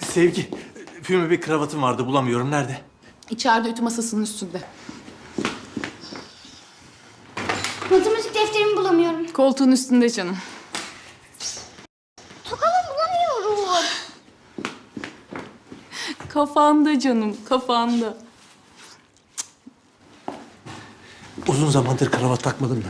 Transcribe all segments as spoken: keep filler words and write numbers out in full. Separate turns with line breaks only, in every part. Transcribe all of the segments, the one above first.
Sevgi, füme bir kravatım vardı, bulamıyorum. Nerede?
İçeride ütü masasının üstünde.
Matematik defterimi bulamıyorum.
Koltuğun üstünde canım.
Tokamı bulamıyorum.
Kafanda canım, kafanda.
Uzun zamandır kravat takmadım da.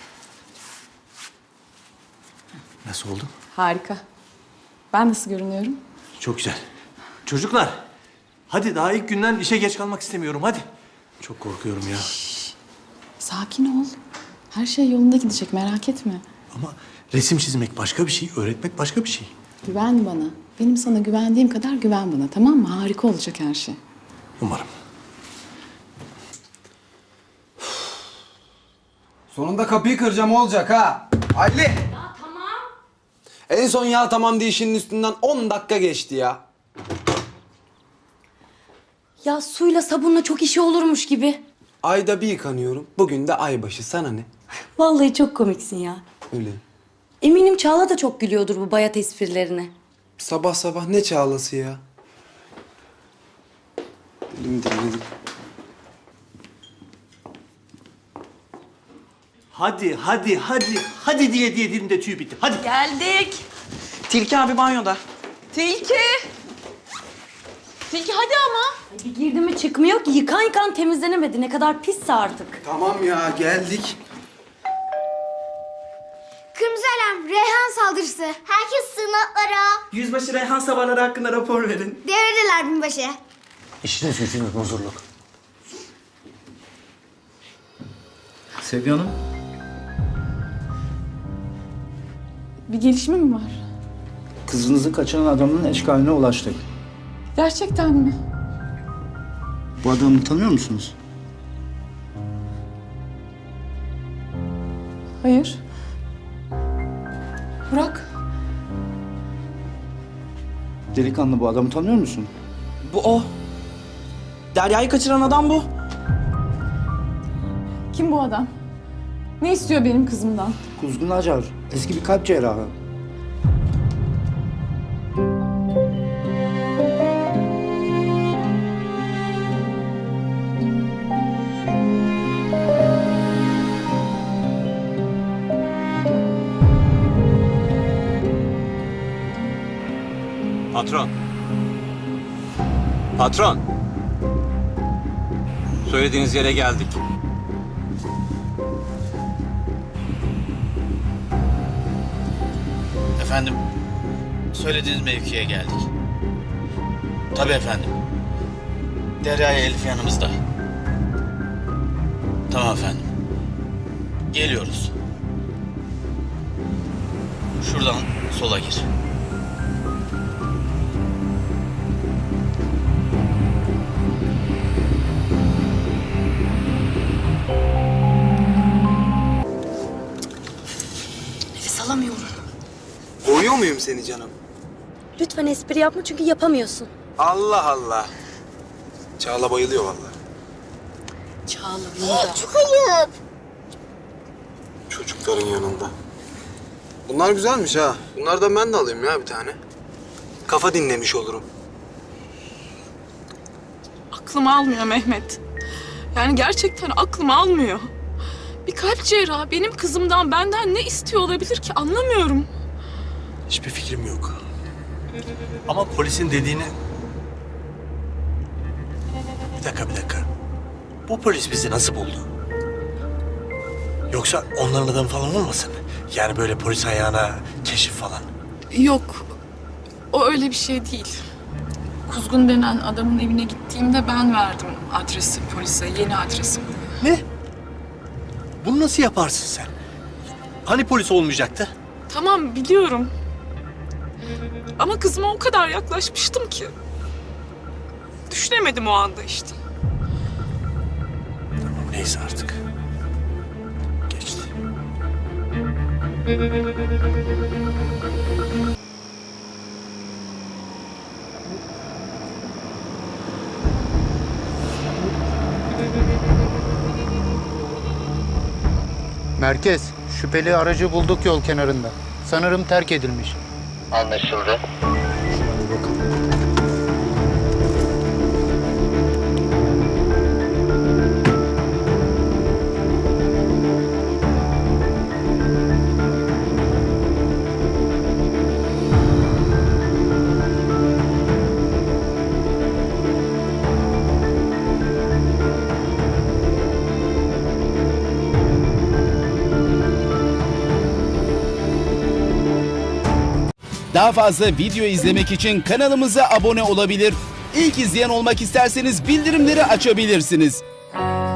Nasıl oldu?
Harika. Ben nasıl görünüyorum?
Çok güzel. Çocuklar, hadi daha ilk günden işe geç kalmak istemiyorum, hadi. Çok korkuyorum ya.
Sakin ol. Her şey yolunda gidecek, merak etme.
Ama resim çizmek başka bir şey, öğretmek başka bir şey.
Güven bana. Benim sana güvendiğim kadar güven bana, tamam mı? Harika olacak her şey.
Umarım.
Sonunda kapıyı kıracağım olacak ha. Ali. Ya tamam. En son ya tamam diye işinin üstünden on dakika geçti ya.
Ya suyla sabunla çok işi olurmuş gibi.
Ayda bir yıkanıyorum. Bugün de aybaşı. Sana ne?
Vallahi çok komiksin ya.
Öyle.
Eminim Çağla da çok gülüyordur bu bayat esprilerine.
Sabah sabah ne çağlası ya? Dilim dinledim.
Hadi, hadi, hadi, hadi diye diye dilimde tüy bitti. Hadi.
Geldik. Tilki abi banyoda. Tilki. Tilki hadi ama.
Bir girdi mi çıkmıyor ki. Yıkan yıkan temizlenemedi. Ne kadar pisse artık.
Tamam ya geldik.
Kırmızı alarm, Reyhan saldırısı. Herkes sığınaklara.
Yüzbaşı Reyhan sabahları hakkında rapor verin.
Devredeler binbaşı.
İşiniz gücünüz huzurluk.
Sevgi Hanım.
Bir gelişme mi var?
Kızınızı kaçıran adamın eşkaline ulaştık.
Gerçekten mi?
Bu adamı tanıyor musunuz?
Hayır. Burak.
Delikanlı, bu adamı tanıyor musun?
Bu o. Derya'yı kaçıran adam bu.
Kim bu adam? Ne istiyor benim kızımdan?
Kuzgun Acar, eski bir kalp cerrahı.
Patron. Patron. Söylediğiniz yere geldik.
Efendim, söylediğiniz mevkiye geldik. Tabii efendim. Derya ile Elif yanımızda. Tamam efendim. Geliyoruz. Şuradan sola gir.
Nefes alamıyorum.
Boğuyor muyum seni canım?
Lütfen espri yapma çünkü yapamıyorsun.
Allah Allah. Çağla bayılıyor vallahi.
Çağla burada.
Çok ayıp.
Çocukların yanında. Bunlar güzelmiş ha. Bunlardan ben de alayım ya bir tane. Kafa dinlemiş olurum.
Aklım almıyor Mehmet. Yani gerçekten aklım almıyor. Bir kalp cerrahı benim kızımdan benden ne istiyor olabilir ki anlamıyorum.
Hiçbir fikrim yok. Ama polisin dediğini... Bir dakika, bir dakika. Bu polis bizi nasıl buldu? Yoksa onların adamı falan olmasın? Yani böyle polis ayağına keşif falan.
Yok. O öyle bir şey değil. Kuzgun denen adamın evine gittiğimde ben verdim adresi polise, yeni adresi.
Ne? Bunu nasıl yaparsın sen? Hani polis olmayacaktı?
Tamam biliyorum. Ama kızıma o kadar yaklaşmıştım ki. Düşünemedim o anda işte.
Tamam, neyse artık. Geçti.
Merkez, şüpheli aracı bulduk yol kenarında. Sanırım terk edilmiş.
Anlaşıldı.
Hadi bakalım.
Daha fazla video izlemek için kanalımıza abone olabilir. İlk izleyen olmak isterseniz bildirimleri açabilirsiniz.